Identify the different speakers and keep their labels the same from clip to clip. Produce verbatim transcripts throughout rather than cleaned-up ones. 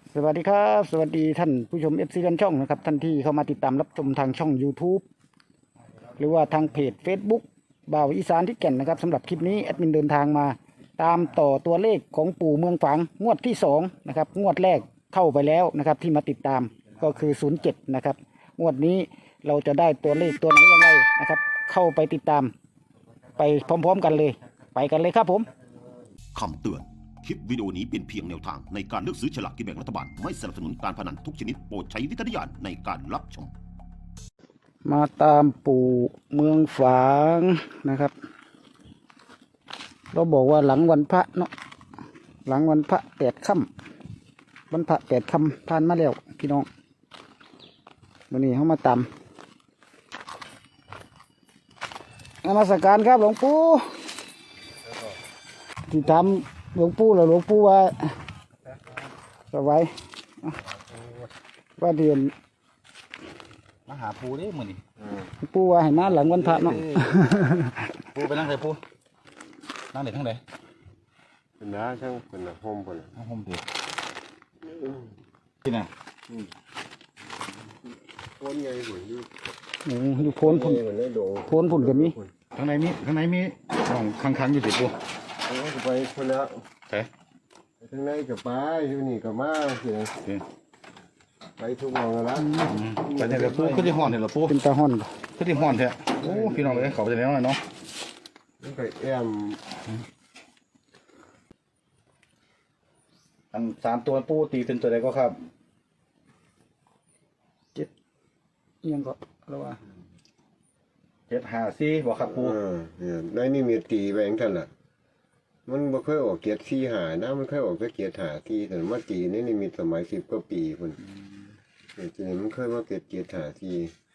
Speaker 1: สวัสดีครับสวัสดีท่านผู้ชม เอฟ ซี กันช่องนะครับท่านที่เข้ามาติดตามรับชมทางช่อง YouTube หรือว่าทางเพจ Facebook บ่าวอีสานที่แก่นนะครับสำหรับคลิปนี้แอดมินเดินทางมาตามต่อตัวเลขของปู่เมืองฝางงวดที่สองนะครับงวดแรกเข้าไปแล้วนะครับที่มาติดตามก็คือศูนย์เจ็ดนะครับงวดนี้เราจะได้ตัวเลขตัวไหนยังไงนะครับเข้าไปติดตามไปพร้อมๆกันเลยไปกันเลยครับผม
Speaker 2: คำเตือน คลิปวิดีโอนี้เป็นเพียงแนวทางในการเลือกซื้อฉลากกินแบ่งรัฐบาล ไม่สนับสนุนการพนันทุกชนิดโปรดใช้วิจารณญาณในการรับชม
Speaker 1: มาตามปู่เมืองฝางนะครับเราบอกว่าหลังวันพระเนาะหลังวันพระแปดค่ำวันพระแปดค่ำผ่านมาแล้วพี่น้องวันนี้เขามาตามนมัสการครับหลวงปู่ที่ทำหลวงปู่แล้วหลวงปู่ว่าสบายว่าเดือน
Speaker 3: มาหาปูได้มือนี่
Speaker 1: หลวงปู่ว่าให้มาหลังวันพระเนาะ
Speaker 3: ปูไปนั่งไหนปูนั่งไหนทั้งไหน
Speaker 4: เป็นน้าช่างเป็นน่ะโฮมคนน่ะ
Speaker 3: ทั้งห้องดีที่ไหน
Speaker 4: โคนไงหุ่นอยู่
Speaker 1: นี่อยู่โพ้นพุ่น
Speaker 4: เหมือนได้โด
Speaker 1: โพ้นพุ่นกันนี้
Speaker 3: ข้างในมีข้างในมีห้องค้างๆอยู่ติปู
Speaker 4: เอาไปคนละ
Speaker 3: ใช่
Speaker 4: ไปทางไหนกับป้าอยู่นี่กับมาสิไปทุกวันละ
Speaker 3: ไปเนี่ยปูขึ้นที่ห้องเนี่ยเหรอปู
Speaker 1: เป็นตาห่อน
Speaker 3: ขึ้นที่ห้องแท้โอ้พี่น้องเลยเขาไปจะไหนหน่อยเนาะ
Speaker 4: มันก็แอม
Speaker 3: อันสามตัวปูตีเป็นตัวใดก็ครับ
Speaker 1: เจ็ดเอียงก็แล้วว่า
Speaker 3: เจ็ดห้าสี่บอกครับปู
Speaker 4: เออเนี่ยในนี่มีตีแบงท่านล่ะมันบ่เคยออกเกียรติที่หานะมันเคยออกแต่เกียรติหาที่แต่มาตีนี่นี่มีสมัยสิบกว่าปีคนเนี่ยทีนี้มันเคยมาเกียรติเกียรติหาที่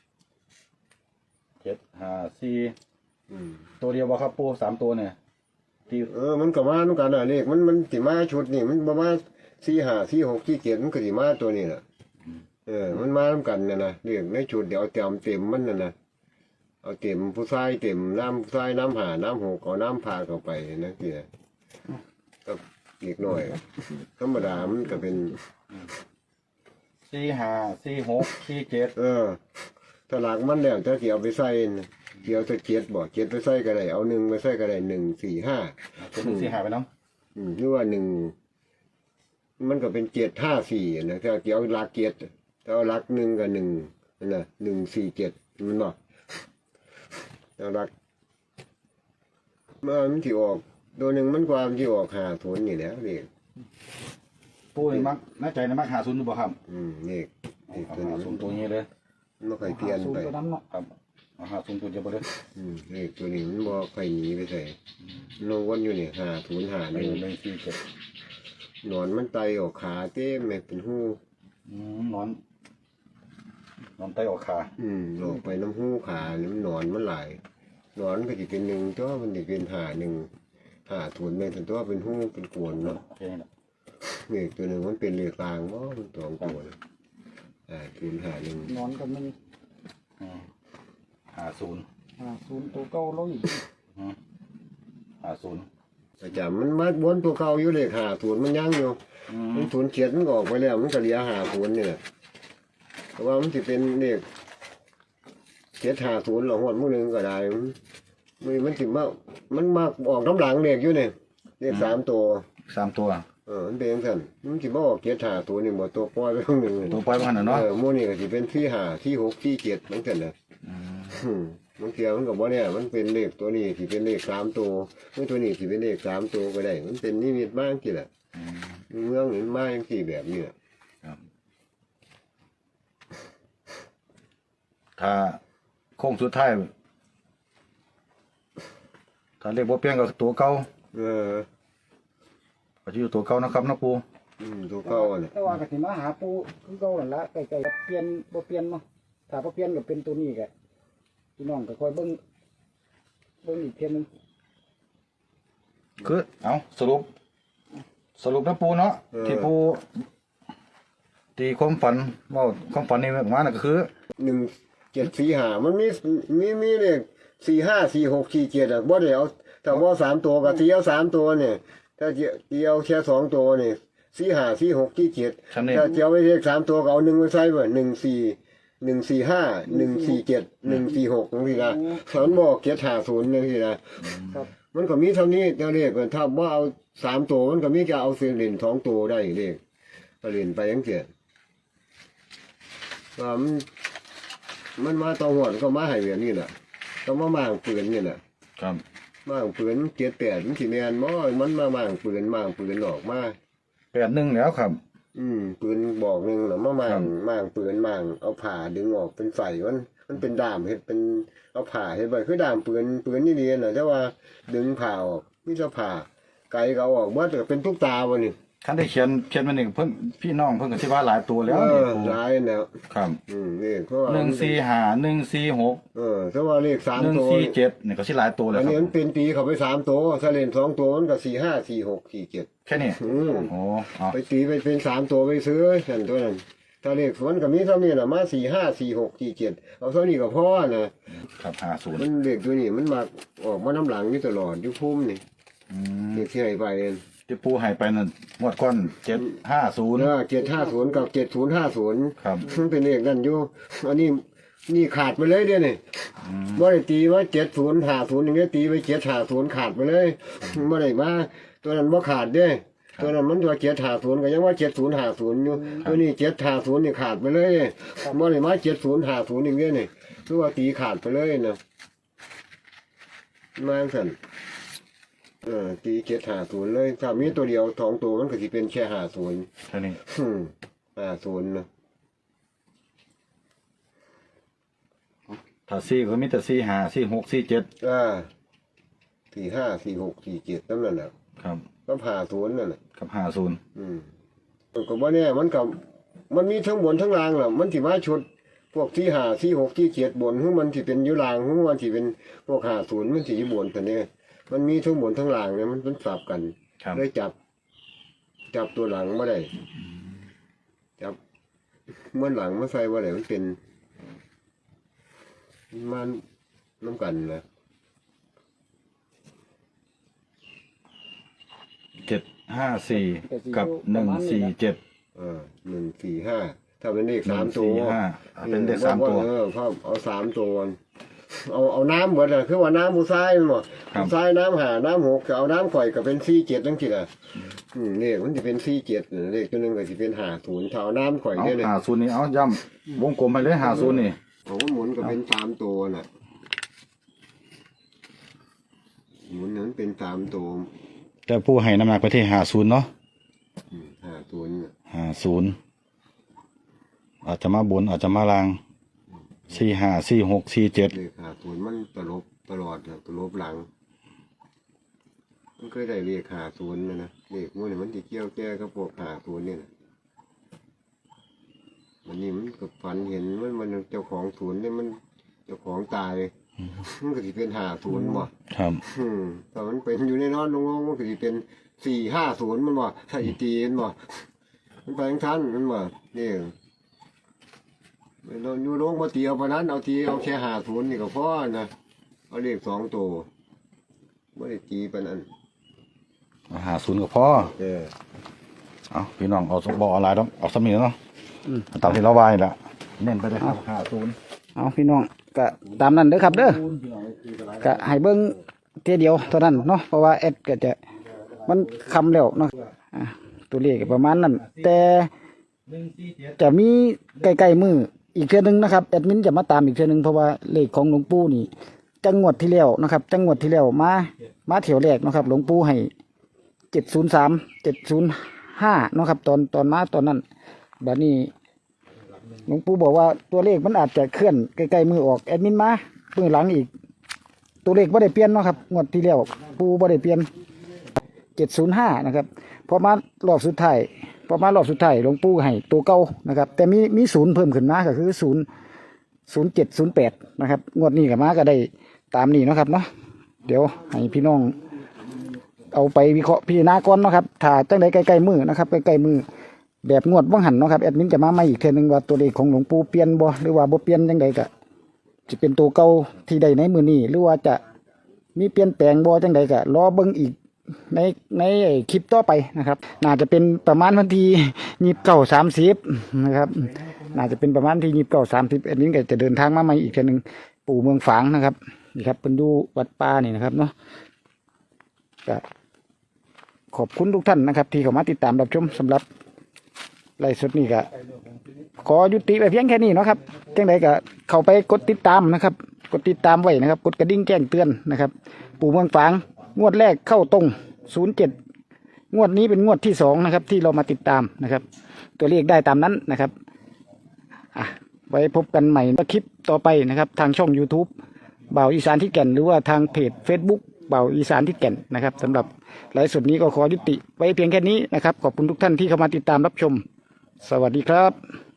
Speaker 3: เจ็ดห้าสี่
Speaker 4: อืม
Speaker 3: ตัวเดียวบอกครับปูสามตัวเนี่ยตี
Speaker 4: เออมันก็มาเหมือนกันน่ะเลขมันมันสิมาชุดนี่มันบ่มาสี่ห้าสี่หกสี่เจ็ดมันก็สิมาตัวนี้น่ะ เออ มันมาทำกันนะนะเรียกในชุดเดี๋ยวเอาเต็มเต็มมันนะนะเอาเต็มผู้ชายเต็มน้ำผู้ชายน้ำหาน้ำหกเอาน้ำพาเข้าไปนะเกี่ยก็เล็กน้อยธรรมดามันก็เป็น
Speaker 3: สี่ห้าสี่หกสี่เจ็ด
Speaker 4: เออถ้าหลักมันแล้วจะเกี่ยวไปใส่นะเกี่ยวจะเจ็ดบ่เจ็ดไปใส่ก็ได้เอาหนึ่งไปใส่ก็ได้หนึ่งสี่ห้า
Speaker 3: ตัวหนึ่งสี่หาไปน้
Speaker 4: อืมหรือว่าหนึ่งมันก็เป็นเจ็ดห้าสี่นะถ้าเกี่ยวหลักเจ็ดถ้าเอาหลักหนึ่งกับหนึ่งนั่นนะหนึ่งสี่เจ็ดมันบ่เอาหลักมันที่ออกตัวหนึ่งมันความที่ออกหาผลนี่แหละนี่
Speaker 3: ำปูนี่มักน่าใจนะมักหาศูนย์ดูบ่ครับ
Speaker 4: อืมนี่นี่
Speaker 3: เอา
Speaker 4: ตัว
Speaker 3: หา
Speaker 4: นี้
Speaker 3: ศูนย์ตัวนี้เลย
Speaker 4: มันไม่ค่อยเปลี่ยน
Speaker 1: ศูน
Speaker 4: ไป
Speaker 1: ย์ตัวนั้นเนาะ
Speaker 3: ครับเอาหาศูนย์ตัวเดียวไปเลย
Speaker 4: อืมนี่ตัวนี้มันบ่ค่อยหนีไปใส่นอนวนอยู่นี่หาผลหา
Speaker 3: ห
Speaker 4: ห
Speaker 3: นึ่
Speaker 4: นึ่
Speaker 3: ง
Speaker 4: ง
Speaker 3: หนึ่งสี่เจ็ด
Speaker 4: นอนมันไตออกขาเต้มเลยเป็นหู
Speaker 3: อืมนอนนอนไตออกขา
Speaker 4: อืมออกไปน้ำหูขานี่มันนอนมันหลายนอนก็จะเป็นหนึ่งตัวมันจะเป็นหาหนึ่งหาถุนแม่นตัวเป็นหูเป็นกวนเนาะ
Speaker 3: โอเคนี่แหละ
Speaker 4: นี่ตัวหนึ่งมันเป็นเรือกลางว่ามันสองตัวนะอ่าถุนหาหนึ่ง
Speaker 1: นอนกันมัน
Speaker 3: อืมหาศูนย์
Speaker 1: อ่าศูนย์ตัวเก้าร้อย
Speaker 3: อืมหาศูนย์
Speaker 4: ประจำมันมาวนตัวเก่าอยู่เลยหาถุนมันยังอยู่
Speaker 3: อืม
Speaker 4: มันถุนเฉียดมันก็ออกไปแล้วมันก็เหลียหาถุนนี่แหละแต่ว่ามันจะเป็นเนี่ยเฉียดหาถุนหรอหอดมือหนึ่งก็ได้มันมันมันสิมามันมาออกน้ำหลังเด็กอยู่เนี่ยเด็กสามตัว
Speaker 3: สามตัว
Speaker 4: เออมันเป็นสั่นมันสิบ่ออกเจ็ดหาตัวนี่หมดตัวปล่อยไปตรงหนึ่งเลย
Speaker 3: ตัวปล่อยมันน่ะเนาะ
Speaker 4: เออหมู่นี่ก็สิเป็นที่หาที่หกที่เจ็ดเหมือนกันนะ
Speaker 3: อืม
Speaker 4: อืมบางทีมันก็บ่เนี่ยมันเป็นเลขตัวนี้สิเป็นเลขสามตัวเมื่อตัวนี้สิเป็นเลขสามตัวก็ได้ มันเป็นนิมิตมากกี่แหละ
Speaker 3: อืม
Speaker 4: เมืองนี่มาอย่างที่แบบนี้แหละ
Speaker 3: ครับถ้าโค้งสุดท้ายถ้าเรียกว่าเปลี่ยนกับตัวเก่า
Speaker 4: เออ
Speaker 3: ก็จะอยู่ตัวเก่านะครับนะปู
Speaker 4: อืมตัวเก่าอ่ะเนี่ย
Speaker 1: แต่ว่าก็สิมาหาปูคือเก่านั่นละใกล้ๆเปลี่ยนบ่เปลี่ยนเนาะถ้าบ่เปลี่ยนก็เป็นตัวนี้แกพี่น้องก็คอยเบิ่งเบิ่งอีกเพียงนึง
Speaker 3: คือเอาสรุป สรุปนะปูเนาะที่ปูตีความฝันว่าความฝันนี่มาน่ะก็คือ
Speaker 4: หนึ่งเจ็ดสี่ห้ามันมีมีมีเลขสี่ห้าสี่หกสี่เจ็ดอ่ะบ่ได้เอาถ้าว่าสามตัวก็ตีเอาสามตัวเนี่ยถ้าเดียวแค่สองตัวเนี่ยสี่ห้าสี่หกสี่เจ็ด
Speaker 3: ชั้นนี้
Speaker 4: ถ้าเจียวไว้เลขสามตัวก็เอาหนึ่งไว้ใส่ไว้หนึ่งสี่หนึ่งสี่ห้าหนึ่งสี่เจ็ดหนึ่งสี่หกนี่นะสอนบอกเจ็ดห้าศูนย์นี่นะครับ มันก็มีเท่านี้เจ้าเลขถ้าว่าเอาสามตัวมันก็มีจะเอาเส้นเหรียญสองตัวได้เลขเหรียญไปยังเจ็ดว่ามันมันมาต่อหัวก็มาให้เหรียญนี่แหละก็มามาของปืนนี่แหละ
Speaker 3: ครับ
Speaker 4: มาของปืนเจ็ดแปดมันสิแมนบ่มันมามาของปืนมาของปืนออกมา
Speaker 3: แปดหนึ่งแล้วครับ
Speaker 4: อืมปืนบอกหนึ่งแล้วมามา
Speaker 3: ครับ
Speaker 4: มาของปืนมาเอาผ่าดึงออกเป็นไฟมันมันเป็นดามเฮ็ดเป็นเอาผ่าเฮ็ดไปคือดามปืนปืนนี่เรียนน่ะแต่ว่าดึงผ่าออกมีแต่ผ่าไกลก็เอาออกว่าแต่เป็นทุกตาวันนี้
Speaker 3: คันได้เขียนเขียนมาหนึ่งเพิ่นพี่น้องเพิ่นก็สิว่าหลายตัวแล้ว
Speaker 4: เอ
Speaker 3: นี่
Speaker 4: อ
Speaker 3: ปู
Speaker 4: ร้ายแล้ว
Speaker 3: ครับ
Speaker 4: อืมนี่เพราะว่า
Speaker 3: หนึ่งสี่ห้าหนึ่งสี่หก
Speaker 4: เออถ้าว่าเลขสาม
Speaker 3: หนึ่ง
Speaker 4: ตัว
Speaker 3: สี่เจ็ดนี่ก็สิหลายตัวแล้ว
Speaker 4: อัน
Speaker 3: ครั
Speaker 4: นี้
Speaker 3: บ
Speaker 4: มันเป็นตีเขาไปสามตัวถ้าเล่นสองตัวมันก็สี่ห้าสี่หกสี่เจ็ด
Speaker 3: แค่นี้
Speaker 4: อืม
Speaker 3: โอ้เอา
Speaker 4: ไปตีไปเป็นสามตัวไปซื้อฉันตัวนั้นถ้าเลขสวนก็มีเท่านี้แหละมาสี่ห้าสี่หกสี่เจ็ดเอาเท่านี้ก็พอนะครับ
Speaker 3: ห้าศูนย์
Speaker 4: มันเลขตัวนี้มันมาออกมาน้ำหลังนี่ตลอดอยู่พุ่มนี่
Speaker 3: อืม
Speaker 4: เลขที่ให้ไปเอง
Speaker 3: ที่ปูให้ไปนั่นงวดก้อนเจ็ดห้าศูนย์
Speaker 4: แล้วเจ็ดห้าศูนย์กับเจ็ดศูนย์ห้าศูนย์
Speaker 3: ครับ
Speaker 4: มันเป็นเลขนั่นอยู่อันนี้นี่ขาดไปเลยเดี๋ยวนี่ว่าได้ตีว่าเจ็ดศูนย์ห้าศูนย์อย่างเงี้ยตีไปเจ็ดห้าศูนย์ขาดไปเลยไม่ได้มาตัวนั้นว่าขาดเด้ ตัวนั้นมันตัวเจ็ดห้าศูนย์ก็ยังว่าเจ็ดศูนย์ห้าศูนย์อยู่ตัวนี้เจ็ดห้าศูนย์นี่ขาดไปเลยไม่ได้มาเจ็ดศูนย์ห้าศูนย์อย่างเงี้ยนี่คือว่าตีขาดไปเลยนะมาสั่นเออตีเจ็ดห้าศูนย์เลยถ้ามีตัวเดียวสองตัวมันก็จะเป็นแค่ห้าศูนย์
Speaker 3: แค่นี้
Speaker 4: ห้าศูนย์นะ
Speaker 3: ถ้าสี่ก็มีแต่สี่ห้าสี่หกสี่เจ็ด
Speaker 4: อ่าสี่ห้าสี่หกสี่เจ็ดนั่นแหละ
Speaker 3: ครับ
Speaker 4: ก็ผ่าศูนย์นั่นแหละ
Speaker 3: กับห้าศูนย์
Speaker 4: อืมก็ว่าเนี่ยมันกับมันมีทั้งบนทั้งล่างแหละมันสิมาชุด พวกที่หาที่หกที่เจ็ดบนหรือมันสิเป็นอยุลางหรือมันสิเป็นพวกหาศูนย์มันสิอยู่บนแต่เนี่ยมันมีทั้งบนทั้งล่างเนี่ยมันมันสับกัน
Speaker 3: ครับ
Speaker 4: เลยจับ จับตัวหลังไม่ได้จับเมื่อหลังมาใส่ว่าอะไรมันเป็นมันน้ำกันนะ
Speaker 3: เจ็ดห้าสี่กับหนึ่งสี่เจ็ด
Speaker 4: เออหนึ่งสี่ห้าถ้าเป็นเลข
Speaker 3: หนึ่
Speaker 4: สาม
Speaker 3: ง
Speaker 4: ตั
Speaker 3: สี่
Speaker 4: ว
Speaker 3: ห้าเป็นเลขสามตัว
Speaker 4: เออพ่อเอาสามตัวเอาเอาน้ำหมดเลยคือว่าน้ำผู้ชายมันหมด
Speaker 3: ครับ
Speaker 4: ผู้ชายน้ำหาน้ำหกก็เอาน้ำข่อยก็เป็นสี่เจ็ดตั้งกี่ละอืมเลขมันจะเป็นสี่เจ็ดเลขตัวหนึงก็จะเป็นหาศูนย์ถ้าเอาน้ำข่อย
Speaker 3: เอา
Speaker 4: เนี่ยเลย
Speaker 3: หาศูนย์นี่เอาย่ำวงกลมไปเลยหาศูนย์นี่
Speaker 4: เอาว่าหมุนก็เป็นสามตัวน่ะหมุนนั้นเป็นสามตัว
Speaker 3: แต่ผู้ให้น้ำหนักไปที่หาศูนย์เนาะ
Speaker 4: อืมหาตัวนี่น่ะ
Speaker 3: หาศูนย์อาจจะมาบนอาจจะมาลางสี่ห้าสี่หกสี่เจ็ด
Speaker 4: เลขหาศูนย์มันตลบตลอดน่ะตลบหลัง มันเคยได้เลขหาศูนย์นะนะเลขมันนี่มันจะเกี่ยวแก้กับพวกหาศูนย์เนี่ยนะมันนี่มันกับฝันเห็นมันมันเจ้าของศูนย์เนี่ยมันเจ้าของตายมันก็จะเป็นหาศูนย์บ่
Speaker 3: ครับ
Speaker 4: อืมแต่มันเป็นอยู่ในนอนลงๆมันก็จะเป็นสี่ห้าศูนย์มันบ่ถ้าอีตีมันบ่มันไปทั้งชั้นมันบ่นี่เราอยู่โรงมาตีเอาปานนั้นเอาตีเอาแค่หาศูนย์นี่ก็พอนะเอาเลขสองตัวไม่ได้ตีปานนั้น
Speaker 3: หาศูนย์ก็พอ
Speaker 4: เออ
Speaker 3: เอาพี่น้องเอาบอกออนไลน์ต้องเอาสมีเนาะตามที่เราวายแหละเน้นไปเลยครับหาศูนย์
Speaker 1: เอาพี่น้องก็ตามนั้นเด้อครับเด้อก็ให้เบิ่งเทียเดียวเท่านั้นเนาะเพราะว่าแอดก็จะมันคำแล้วเนาะอ่ะตัวเลขก็ประมาณนั้น แต่จะมีใกล้ๆมืออีกเทื่อนึงนะครับแอดมินจะมาตามอีกเทื่อนึงเพราะว่าเลขของหลวงปู่นี่จังหวัดที่แล้วนะครับจังหวัดที่แล้วมามาเที่ยวแรกเนาะครับหลวงปู่ให้เจ็ดศูนย์สามเจ็ดศูนย์ห้าเนาะครับตอนตอนมาตอนนั้นบัดนี้ หลวงปู่บอกว่าตัวเลขมันอาจจะเคลื่อนใกล้ๆมือออกแอดมินมามือหลังอีก ตัวเลขไม่ได้เปลี่ยนเนาะครับงวดที่แล้วปูไม่ได้เปลี่ยนเจ็ดศูนย์ห้านะครับพอมารอบสุดท้ายพอมารอบสุดท้ายหลวงปู่ให้ตัวเก่านะครับ แต่มีมีศูนย์เพิ่มขึ้นมาก็คือศูนย์ศูนย์เจ็ดศูนย์แปดนะครับงวดนี้กับมาก็ได้ตามนี้เนาะครับเนาะเดี๋ยวให้พี่น้อง เอาไปวิเคราะห์พิจารณาก่อนเนาะครับถ้าจังใดใกล้ๆมือนะครับใกล้ๆมือ แบบงวดว่างหันเนาะครับแอดมินจะมาใหม่อีกเทื่อนึงว่าตัวเลขของหลวงปู่เปลี่ยนบ่หรือว่าบ่เปลี่ยนจังใดก็จะเป็นตัวเก่าที่ใดในมือนี้หรือว่าจะมีเปลี่ยนแปลงบ่จังใดก็รอเบิ่งอีกในในคลิปต่อไปนะครับ น่าจะเป็นประมาณวันที่ยี่สิบเก้าสามสิบนะครับ น่าจะเป็นประมาณที่ยี่สิบเก้าสามสิบอันนี้ก็จะเดินทางมาใหม่อีกทีหนึ่งปู่เมืองฝางนะครับนี่ครับเป็นดูวัดป่านี่นะครับเนาะก็ขอบคุณทุกท่านนะครับ ที่เข้ามาติดตามรับชมสำหรับไลฟ์สดนี้ก็ขอยุติไปเพียงแค่นี้เนาะครับจังใดก็เข้าไปกดติดตามนะครับ กดติดตามไว้นะครับ กดกระดิ่งแจ้งเตือนนะครับ ปู่เมืองฝางงวดแรกเข้าตรงศูนย์เจ็ดงวดนี้เป็นงวดที่สองนะครับ ที่เรามาติดตามนะครับ ตัวเลขได้ตามนั้นนะครับอ่ะไว้พบกันใหม่ในคลิปต่อไปนะครับ ทางช่อง YouTube บ่าวอีสานที่แก่นหรือว่าทางเพจ Facebook บ่าวอีสานที่แก่นนะครับสำหรับไลฟ์สดนี้ก็ขอยุติไว้เพียงแค่นี้นะครับ ขอบคุณทุกท่านที่เข้ามาติดตามรับชม สวัสดีครับ